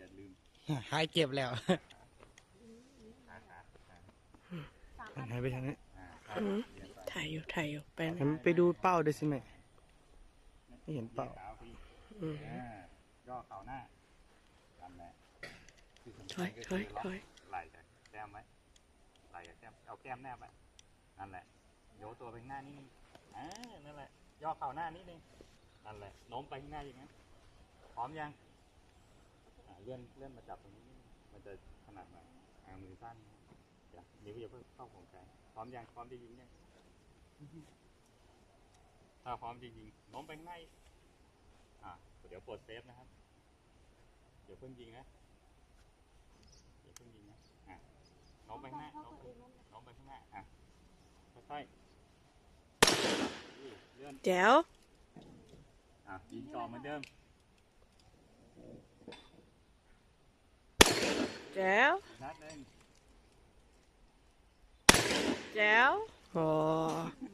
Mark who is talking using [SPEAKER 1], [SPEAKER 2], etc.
[SPEAKER 1] ลืม
[SPEAKER 2] หายเจ็บแล้ว
[SPEAKER 1] ขา
[SPEAKER 2] หายไปทางนี้
[SPEAKER 1] เรียนไป
[SPEAKER 3] ถ่ายอยู่ไปนะ
[SPEAKER 2] ไปดูเป้าด้วยสิแม่ไม่เห็นเป้า
[SPEAKER 1] ขาพี่ย่อเข่าหน้านั่นแหละที่สำ
[SPEAKER 3] ถ
[SPEAKER 1] คั
[SPEAKER 3] อ
[SPEAKER 1] ญ
[SPEAKER 3] ย
[SPEAKER 1] ก็
[SPEAKER 3] ถ
[SPEAKER 1] คือ
[SPEAKER 3] อย
[SPEAKER 1] ล็อก
[SPEAKER 3] ถอย
[SPEAKER 1] ไหล่กับแก้มไว้ไหล่กับแก้มเอาแก้มแนบไว้นั่นแหละโยกตัวไปข้างหน้านิดนึงนั่นแหละย่อเข่าหน้านิดนึงนั่นแหละโน้มไปข้างหน้าอย่างนั้นพร้อมยังเลื่อนมาจับตรงนี้นิดนึงมันจะขนาดหน่อยมือสั้นเดี๋ยวนิ้วอย่าเพิ่งเข้าของใจพร้อมยังพร้อมจะยิงยังถ้าพร้อมจริงๆโน้มไปข้างหน้าเดี๋ยวปลดเซฟนะครับเดี๋ยวเพิ่งยิงนะโน้มไปข้างหน้าโน้มไปข้างหน้าค่อยๆเลื่อน
[SPEAKER 3] แจ๋ว
[SPEAKER 1] ยิงต่อเหมือนเดิม
[SPEAKER 3] แจ๋ว
[SPEAKER 1] นัดหนึ่ง
[SPEAKER 3] แจ๋วโอ้